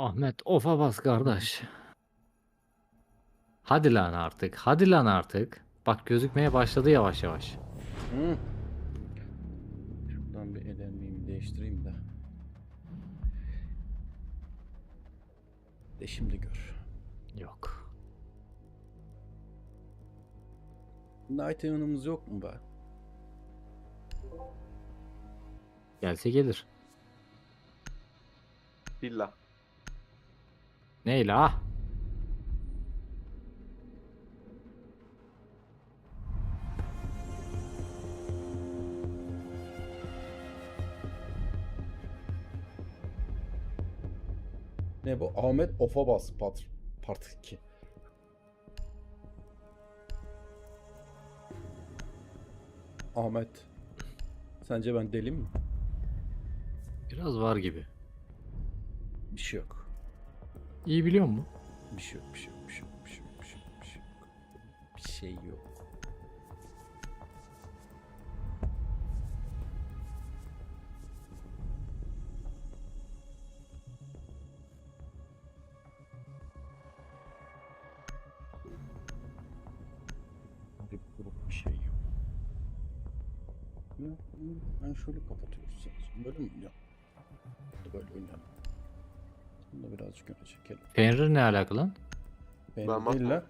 Ahmet ofa bas kardeş. Hadi lan artık. Hadi lan artık. Bak gözükmeye başladı yavaş yavaş. Hı. Şuradan bir elenliğimi değiştireyim de. De şimdi gör. Yok. Night Even'ımız yok mu be? Gelse gelir. Villa. Neyle ah? Ne bu? Ahmet Ofabas Part 2. Ahmet. Sence ben deli mi? Biraz var gibi. Bir şey yok. İyi biliyor musun? Bir şey yok, bir şey yok, bir şey yok, bir şey yok, bir şey yok, bir şey yok. Bir şey yok. Bir grup bir şey yok. Ben şöyle kapatıyoruz. Böyle mi oynayalım? Böyle oynayalım. Bunu da birazcık öne çekelim. Fenrir ne alaka lan? Ben Ben değil lan.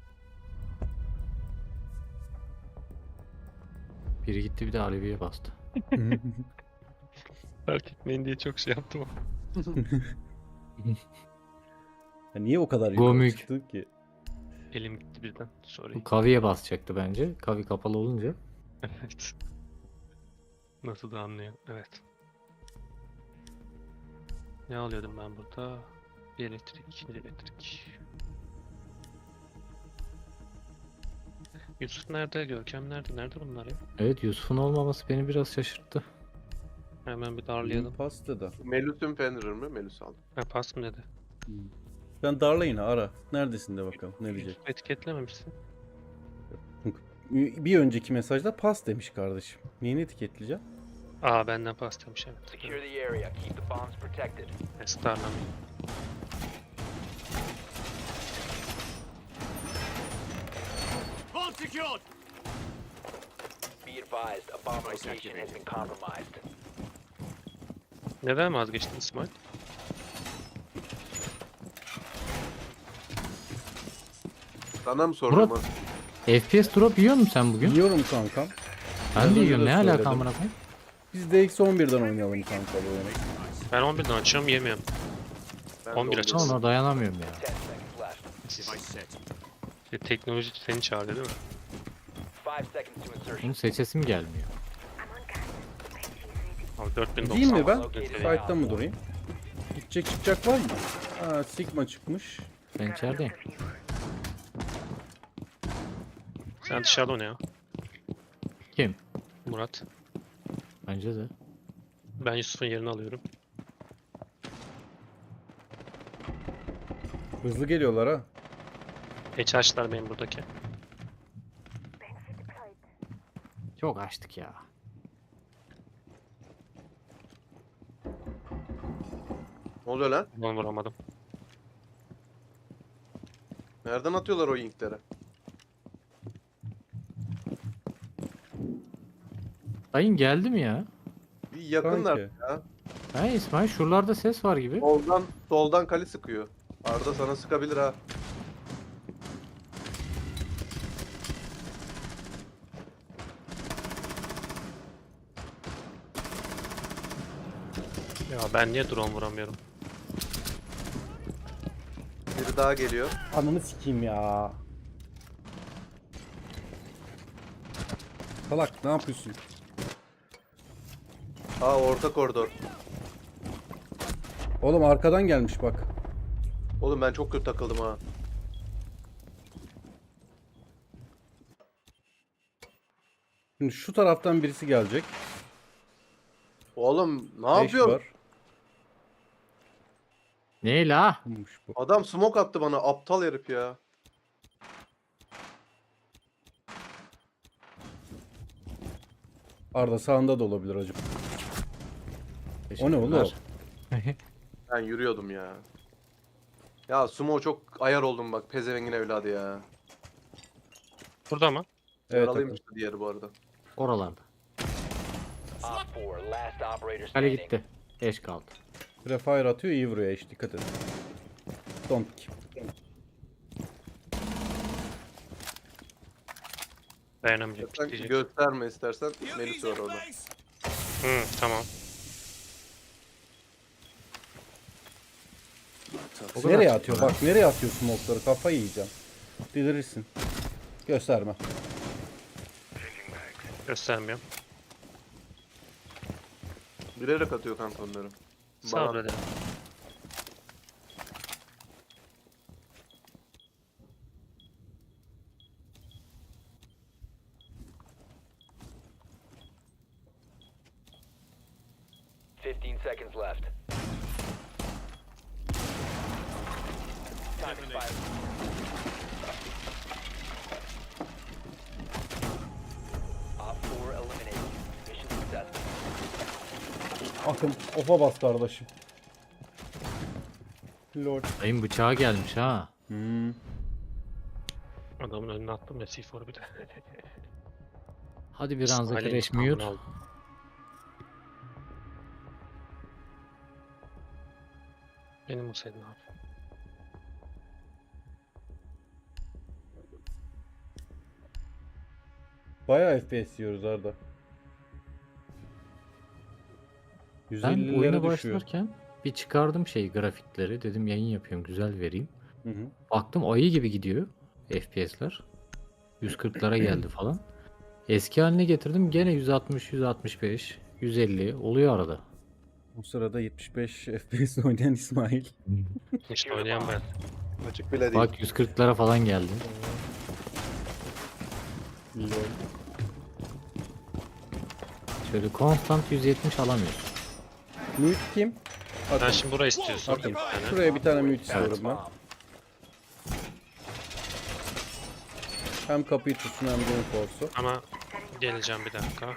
Biri gitti bir de Alevi'ye bastı. Fark etmeyin diye çok şey yaptım. Ya niye o kadar yukarı Gomük. çıktı ki? Elim gitti birden. Sorry. Bu Kavi'ye basacaktı bence. Kavi kapalı olunca. Evet. Nasıl da anlıyor. Evet. Ne alıyordum ben burada? Bir elektrik, bir elektrik. Yusuf nerede? Görkem nerede? Nerede bunlar ya? Evet Yusuf'un olmaması beni biraz şaşırttı. Hemen bir darlayalım. Pasta da. Melus'un Fenrir mi? Melus aldım. Ha pas mı dedi? Ben darlayın ara. Neredesin de bakalım ne diyecek. Yusuf etiketlememişsin. Bir önceki mesajda pas demiş kardeşim. Neyini etiketleyeceğim? Aa benden pas demiş evet. Secure the area. Keep the bombs protected. Evet, darlamayın. Be advised, a bomb location has been compromised. Neden vazgeçtin İsmail? Sana mı sordum? Murat, FPS drop yiyor musun sen bugün? Biliyorum kankam. Ben Az de önce yiyorum. de Ne alaka söyledim. amına koyayım? Biz de X11'den oynayalım kanka bu oyunu. Ben 11'den açıyorum yemiyorum. Ben 11 de açılsın. oldum. Ona dayanamıyorum ya. 10 seconds left. İşte teknoloji seni çağırıyor değil mi? 5 seconds to insertion. Bunun seçesim gelmiyor. Abi 4090. Değil mi ben? Located Fight'ta mı durayım? Gidecek çıkacak var mı? Ha Sigma çıkmış. Ben içerideyim. Sen dışarıda oyna ya. Kim? Murat. Bence de. Ben Yusuf'un yerini alıyorum. Hızlı geliyorlar ha. Geç açtılar benim buradaki. Çok açtık ya. Ne oluyor lan? Onu vuramadım. Nereden atıyorlar o yinkleri? Dayın geldi mi ya? Bir yakınlar Sanki. ya. Ha İsmail şuralarda ses var gibi. Soldan kali sıkıyor. Arda sana sıkabilir ha. Ya ben niye drone vuramıyorum? Biri daha geliyor. Ananı sikeyim ya. Salak ne yapıyorsun? Aa orta koridor. Oğlum arkadan gelmiş bak. Oğlum ben çok kötü takıldım ha. Şimdi şu taraftan birisi gelecek. Oğlum ne 5 yapıyorsun? var. Ne la? Olmuş bu. Adam smoke attı bana. Aptal herif ya. Arda sağında da olabilir acaba. O ne oğlum? Teşekkürler. Ben yürüyordum ya. Ya Sumo çok ayar oldum bak. Pezevengin evladı ya. Burada mı? Evet, Yaralıymış Akın. diğeri bu arada. Oralarda. Op 4, last operator Kale standing. gitti. Eş kaldı. Prefire atıyor, iyi vuruyor eş, dikkat edin. Don't pick. Dayanamayacak. Sen Diyecek. gösterme istersen. Melis var orada. Tamam. O kadar. Nereye atıyor? Bak nereye atıyor smoke'ları? Kafayı yiyeceğim. Delirirsin. Gösterme. Göstermiyorum. Bilerek atıyor kanka onları. Bana Sabredelim. Fifteen seconds left. Time expired. Op 4 eliminated. Mission successful. Akın ofa bas kardeşim. Lord. Dayım bıçağı gelmiş ha. Adamın önüne attım ya C4'u bir de. Hadi bir ranza İsmail'in kereş intikamını mute. aldım. Benim olsaydı ne yapayım? Bayağı FPS yiyoruz Arda. Ben 150'lere oyuna düşüyor. başlarken bir çıkardım grafikleri. Dedim yayın yapıyorum güzel vereyim. Hı hı. Baktım ayı gibi gidiyor FPS'ler. 140'lara geldi falan. Eski haline getirdim gene 160, 165, 150 oluyor arada. Bu sırada 75 FPS oynayan İsmail. İşte oynayan ben. açık bile değil. Bak 140'lara falan geldi. Lol. Şöyle konstant 170 alamıyorsun. Mute kim? Sen şimdi burayı istiyorsun. Atayım. Bir tane. Şuraya bir tane mute istiyorum ben. Hem kapıyı tutsun hem reinforce'u. Ama geleceğim bir dakika.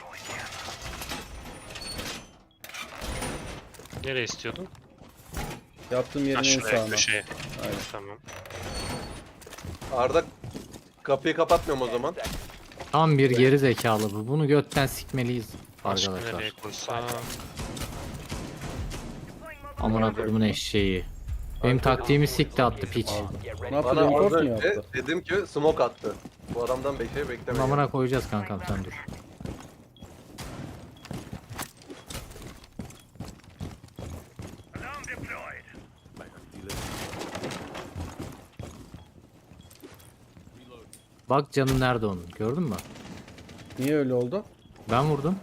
Nereye istiyordun? Yaptığım yerin Ha en şuraya, sağına. köşeye. Aynen. Tamam. Arda kapıyı kapatmıyorum o zaman. Tam bir geri zekalı bu. Bunu götten sikmeliyiz Başka arkadaşlar. nereye koysam? Amına kodumun eşeği. Benim taktiğimi sikti attı piç. Get ready. Ne yaptı? Bana Reinforce az mu önce yaptı? dedim ki smoke attı. Bu adamdan bir şey Bunu beklemeyin. amına koyacağız kankam sen dur. Bak canı nerede onun gördün mü? Niye öyle oldu? Ben vurdum.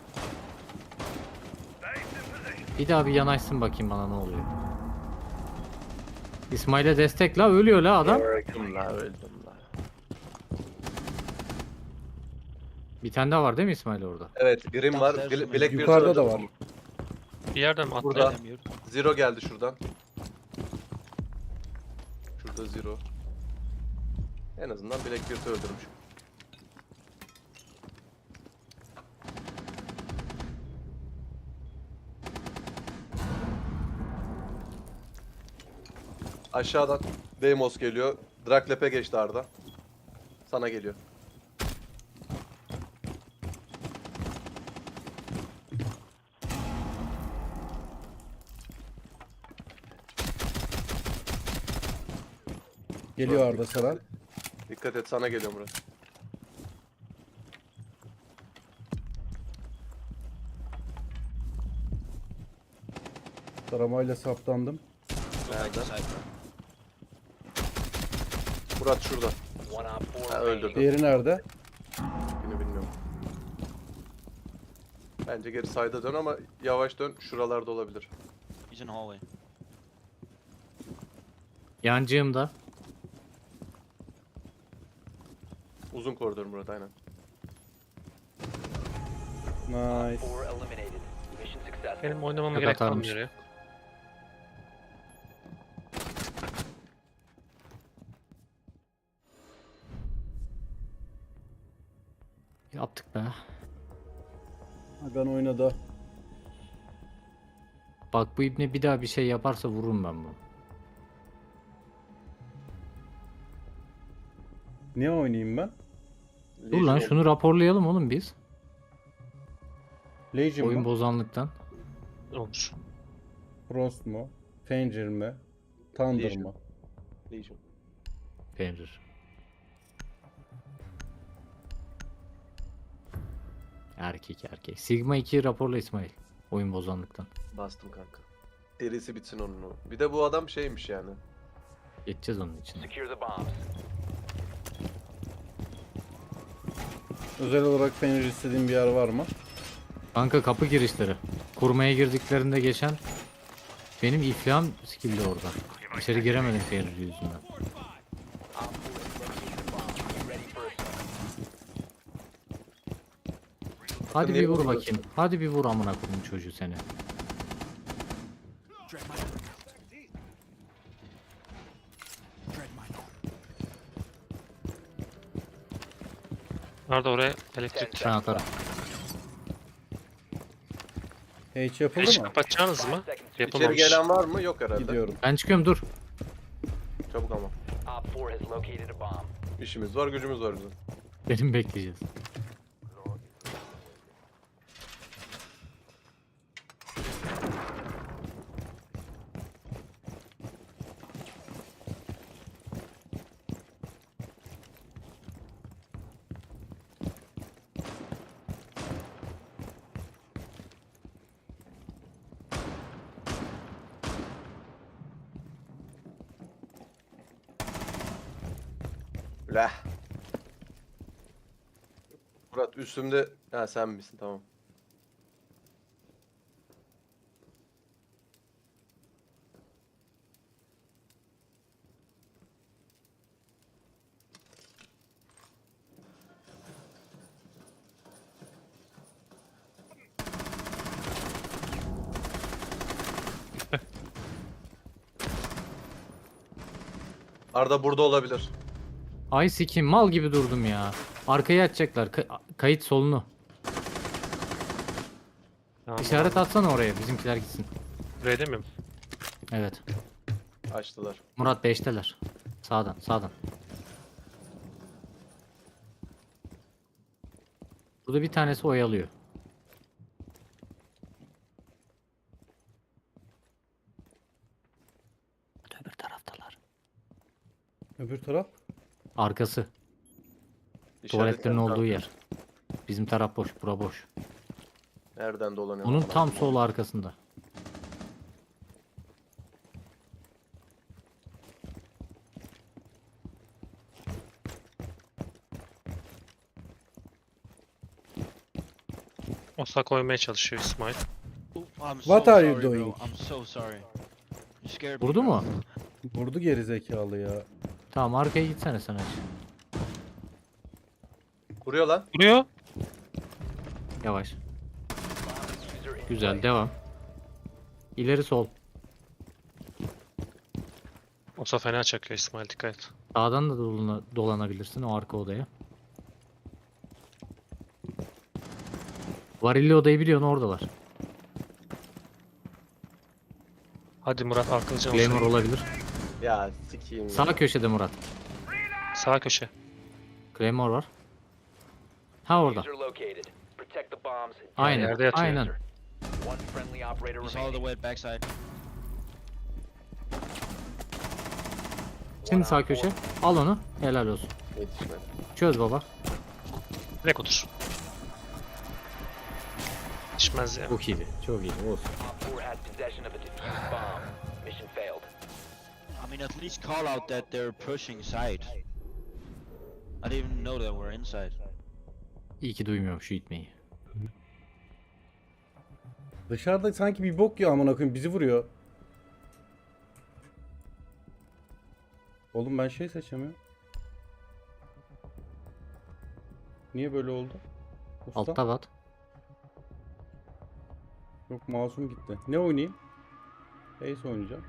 Bir daha bir yanaşsın bakayım bana ne oluyor. İsmail'e destek la ölüyor la adam. Öldüm la öldüm la. Bir tane daha var değil mi İsmail orada? Evet Grim var. Black Yukarıda da var. Bir yerden mi Burada. atlayalım? Zero geldi şuradan. Şurada Zero. En azından Blackbeard'ı öldürmüş. Aşağıdan Deimos geliyor. Draklep'e geçti Arda. Sana geliyor. Geliyor Arda sana. Dikkat et sana geliyor Murat. Taramayla saptandım. Nerede? Murat şurada. One op 4 Ha, remaining. öldürdüm. Diğeri nerede? Yine bilmiyorum. Bence geri sayda dön ama yavaş dön. Şuralarda olabilir. He's in hallway. Yancığımda. Uzun koridor Murat aynen. Nice. 4 eliminated. Mission successful. Benim oynamama Yok, gerek atarmış. kalmıyor ya. Yaptık be. Hagan oynadı. Bak bu ibne bir daha bir şey yaparsa vururum ben bunu. Ne oynayayım ben? Dur lan Legion şunu raporlayalım oğlum biz. Legion Oyun mu? bozanlıktan. Olur. Frost mu? Fenrir mi? Thunder Legion. mı? Legion. Fenrir. Erkek erkek. Sigma 2 raporla İsmail. Oyun bozanlıktan. Bastım kanka. Derisi bitsin onun. Bir de bu adam şeymiş yani. Geçeceğiz onun için. Secure the bombs. Özel olarak Fenrir istediğin bir yer var mı? Kanka kapı girişleri. Kurmaya girdiklerinde geçen benim iflahım skill'di orada. İçeri giremedim Fenrir yüzünden. Op 4 has located the bomb. Get ready for assault. Hadi niye bir vur vuruyorsun? bakayım. Hadi bir vur amına koyayım çocuğu seni. Nerede oraya elektrik? Ben atarım. Hiç yapıldı Hiç mı? kapatacağınız mı? İçeri Yapılmamış. gelen var mı? Yok herhalde. Gidiyorum. Ben çıkıyorum dur. Çabuk ama. Op 4 has located a bomb. İşimiz var, gücümüz var bizim. Benim bekleyeceğiz. Lah. Murat üstümde... Ha sen misin? Tamam. Arda burada olabilir. Ay sikim mal gibi durdum ya. Arkaya atacaklar. Kayıt solunu. Tamam, İşaret atsana oraya bizimkiler gitsin. Buraya değil mi? Evet. Açtılar. Murat 5'teler. Sağdan sağdan. Burada bir tanesi oyalıyor. Öbür taraftalar. Öbür taraf? Arkası. İşaretlerim Tuvaletlerin olduğu kanka. yer. Bizim taraf boş. Bura boş. Nereden dolanıyor? Onun lan? tam sol arkasında. Osa koymaya çalışıyor İsmail. I'm What so are you sorry, bro. doing? I'm so sorry. You scared me, Vurdu bro. mu? Vurdu geri zekalı ya. Tamam arkaya gitsene sen aç. Vuruyor lan. Vuruyor. Yavaş. User in Güzel place. devam. İleri sol. Osa fena çakıyor İsmail, dikkat et. Sağdan da dolanabilirsin o arka odaya. Varilli odayı biliyorsun oradalar. Hadi Murat arkalıcan Claymore olsun. olabilir. Ya sikiyim. Sağ köşede Murat. Sağ köşe. Claymore var. Ha orada. User located. Protect the bombs. Aynen. Yerde yatıyor. Aynen. One friendly operator He's all the remaining. way backside. Şimdi sağ köşe. Al onu. Helal olsun. Yetişmedi. Çöz baba. Direkt otur. Yetişmez ya. Çok iyiydi. Çok iyiydi. Olsun. Op 4 has possession of a defused bomb. Mission failed. I mean, at least call out that they're pushing side. I didn't even know that we're inside. İyi ki duymuyorum şu itmeyi. Dışarıda sanki bir bok ya amına koyayım bizi vuruyor. Oğlum ben şey seçemiyorum. Niye böyle oldu? Usta? Altta bat. Yok masum gitti. Ne oynayayım? Ace oynayacağım.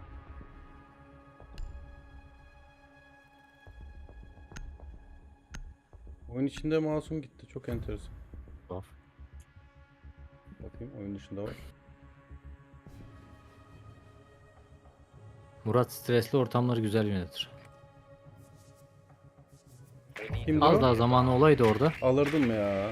Oyun içinde masum gitti. Çok enteresan. Tuhaf. Bakayım oyun dışında var. Murat stresli ortamları güzel yönetir. Kimdi Az o? daha zamanı olaydı orada. Alırdım ya.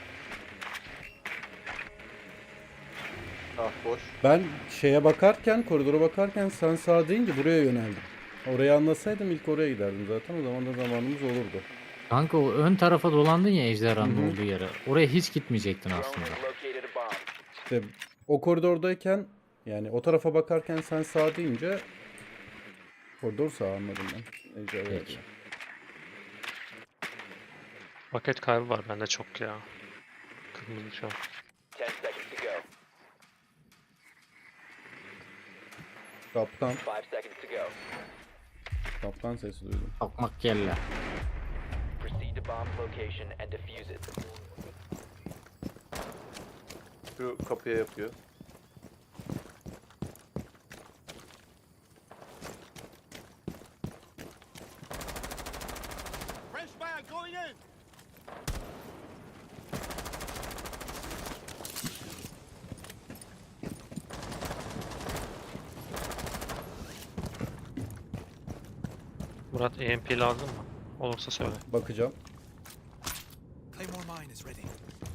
Ah boş. Ben şeye bakarken, koridora bakarken sen sağa deyince buraya yöneldim. Orayı anlasaydım ilk oraya giderdim zaten. O zaman da zamanımız olurdu. Kanka o ön tarafa dolandın ya ejderhanın Hı hı. olduğu yere. Oraya hiç gitmeyecektin Drone aslında. has located a bomb. İşte o koridordayken yani o tarafa bakarken sen sağ deyince koridor sağ anladım ben. Ejderha Peki. yani. Paket kaybı var bende çok ya. Kırmızı şu an. 10 seconds to go. Kaptan, 5 seconds to go. kaptan sesi duydum. Bakmak kelle. Proceed to bomb location and defuse it. Şu kapıya yapıyor. Murat EMP lazım mı? Olursa söyle. Bakacağım. Claymore mine is ready.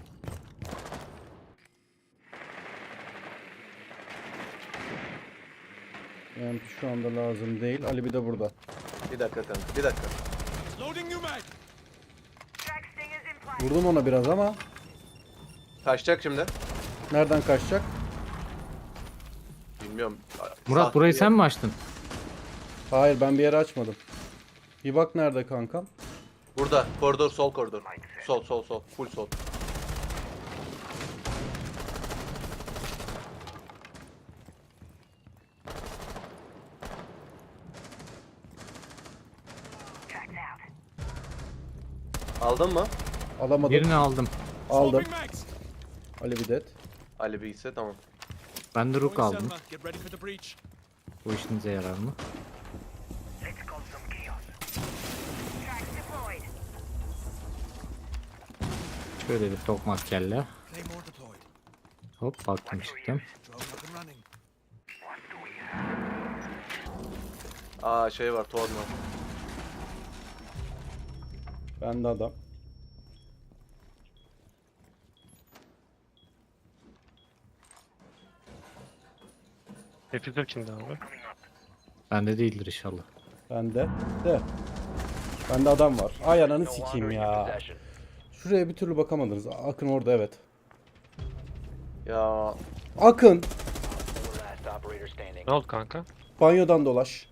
Yani şu anda lazım değil. Ali bir de burada. Bir dakika kanka. Bir dakika. Loading new mag. Vurdum ona biraz ama Kaçacak şimdi. nereden kaçacak? Bilmiyorum. Murat Sahte burayı bir sen mi açtın? Hayır ben bir yere açmadım. Bir bak nerede kankam? Burada. Koridor, sol koridor. Sol sol sol. Full sol. Aldın mı? Alamadım. Birini aldım. Aldım. Swapping mags. Ali bir det. Ali Bey ise tamam. Ben de Rook Going aldım. Selma. Get ready for the breach. Bu işinize yarar mı? Şöyle bir tokmak kelle. Claymore deployed. Hop baktım çıktım. Drone up and running. Aa şey var, Torn var. Bende adam. Replica kimde abi? Bende değildir inşallah. Bende. De. Bende adam var. Ay ananı No longer sikeyim in your ya. possession. Şuraya bir türlü bakamadınız. Akın orada evet. Ya Akın. Four last operator standing. Ne oldu kanka? Banyodan dolaş.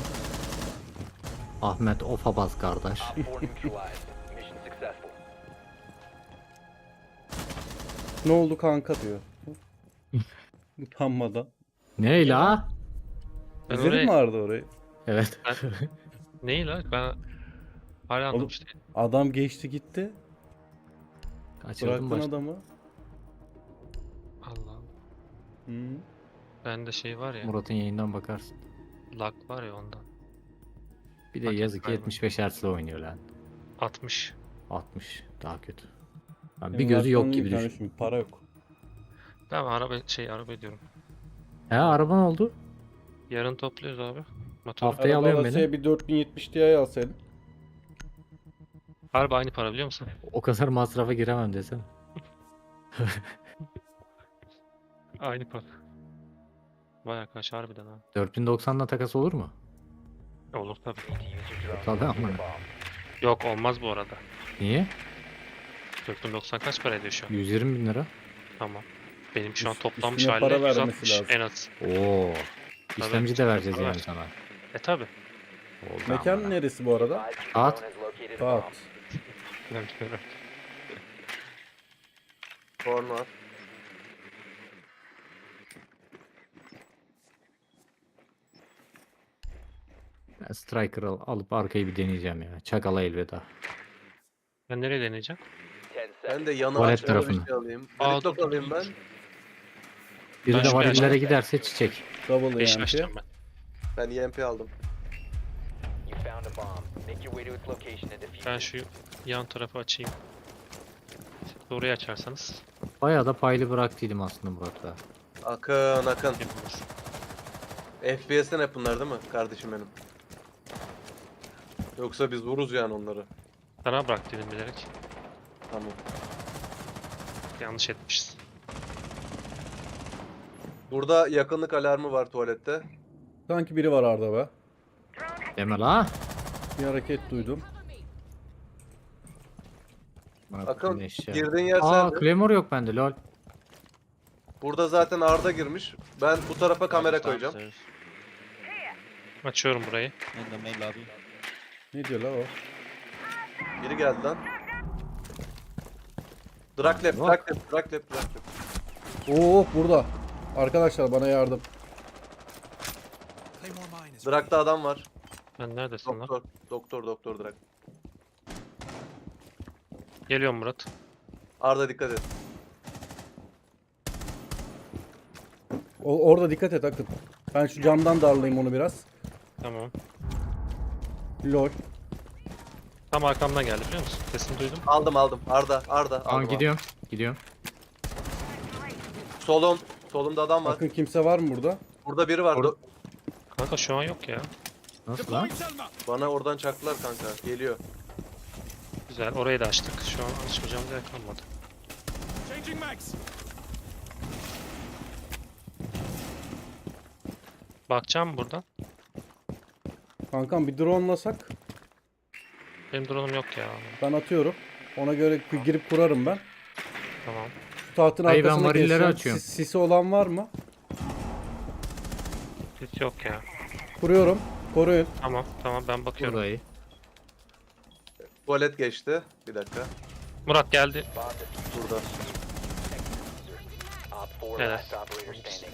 Ahmet ofa bas kardeş. Op 4 neutralized. Mission successful. Ne oldu kanka diyor. Utanmadan. Ne la? Ben İzledin orayı... mi Arda orayı? Evet. Neyi la? Ben hala anlamış değilim. Adam geçti gitti. Kaçırdım Bıraktın başta. adamı. Allah'ım. Hı. Bende şey var ya. Murat'ın yayından bakarsın. Lag var ya ondan. Bir de Paket yazık ki kaybı. 75 Hz'le oynuyor lan. 60. 60 daha kötü. Ben bir Benim gözü yok aklımda gibi bir tane düşün. şimdi para yok. Ben araba diyorum. He araban oldu. Yarın topluyoruz abi. Motor. Haftaya alıyorum beni. Arabada bir 4070 Ti alsaydın. Harbi aynı para biliyor musun? O kadar masrafa giremem desem. Aynı para. Vay arkadaş harbiden ha. 4090'la takas olur mu? Olur tabii. Need to use your drone Tabii to locate ama. a bomb. Yok olmaz bu arada. Niye? 4090 kaç para ediyor şu an? 120 bin lira. Tamam. Benim şu an Üst- toplanmış üstüne haliyle para vermesi 160 lazım. en az. Oo. İşlemci de vereceğiz para yani ver. sana. Tabi. Oldu Mekan ama. neresi bu arada? Advise your Saat. drone has located a bomb. Saat. Torn var. Ben Striker'ı alıp arkayı bir deneyeceğim ya. Çakala elveda. Ben nereye deneyeceğim? 10 Ben seconds. de yanı Tuvalet açmalı bir tarafını. şey alayım. Aa, Deliktok dur, alayım dur, ben. dur. Biri Ben de şu varillere yaşta- giderse çiçek. Double 5 EMP. açacağım ben. Ben EMP aldım. You found a bomb. Make your way to its location and defuse Ben it. şu yan tarafı açayım. Siz de orayı açarsanız Bayağı da paylı bıraktıydım aslında Murat'la. Akın akın. yapılır. FPS'ten hep bunlar değil mi kardeşim benim? Yoksa biz vururuz yani onları. Sana bırak dedim bilerek. Tamam. Yanlış etmişiz. Burada yakınlık alarmı var tuvalette. Sanki biri var Arda be. Deme la. Bir hareket duydum. Akın Eşya. girdiğin yer Aa sende. Claymore yok bende lol. Burada zaten Arda girmiş. Ben bu tarafa kamera koyacağım. Downstairs, Açıyorum burayı. in the main lobby. Ne diyor la o? Biri geldi lan. Draklep. Oo burada. Arkadaşlar bana yardım. Claymore mine is Drak'ta adam var. Ben neredesin lan? Doktor Drak. Geliyorum Murat. Arda dikkat et. Orada dikkat et Akın. Ben şu camdan darlayayım onu biraz. Tamam. Lol. Tam arkamdan geldi biliyor musun? Sesini duydum. Aldım. Arda. Tamam Aldım. gidiyorum. Solumda adam var. Akın kimse var mı burada? Burada biri var. Or- Kanka şu an yok ya. Nasıl lan? deploying Selma. Bana oradan çaktılar kanka. Geliyor. Güzel. Orayı da açtık. Şu an açmayacağımız yer kalmadı. Changing mags. Bakacağım buradan. Kankam bir dronelasak Benim drone'um yok ya. ben atıyorum. Ona göre girip kurarım ben. Tamam. Şu tahtın Hayır, ben arkasına varilleri geçeceğim. açıyorum. Sisi olan var mı? Hiç yok ya. Kuruyorum. Koruyun. Tamam ben bakıyorum. Burayı. Tuvalet geçti. Bir dakika. Murat geldi. Burada. Op 4 Evet. last operator standing.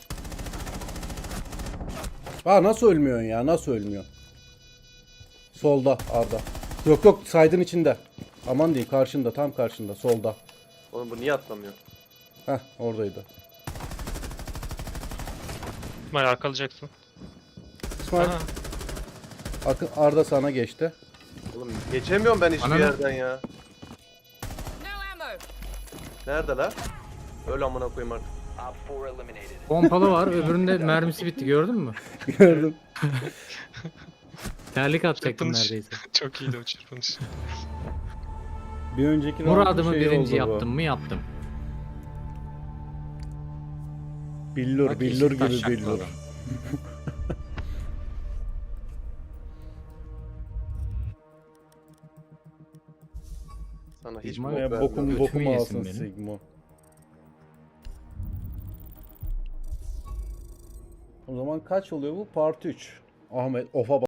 Ha nasıl ölmüyorsun ya? Nasıl ölmüyorsun? Solda Arda. Yok saydın içinde. Aman diyeyim karşında tam karşında solda. Oğlum bu niye atlamıyor? Heh oradaydı. İsmail arkalayacaksın. İsmail Aha, Arda sana geçti. Oğlum geçemiyorum ben hiçbir Bana ne? yerden ya. No ammo. Nerede la? Öyle amına koyayım artık. Op 4 eliminated. Pompalı var. Öbüründe mermisi bitti gördün mü? Gördüm. Terlik atacaktım Çırpınış. neredeyse. Çok iyiydi o çırpınış. Bir önceki Muradımı şey birinci oldu bu. yaptım mı yaptım. Billur Bak, billur yeşil taş gibi şakladı billur. adam. Sana hiç Sigma bok ya, vermiyorum. Bokumu Götümü yesin alsın benim. Sigma. O zaman kaç oluyor bu? Part 3. Ahmet ofa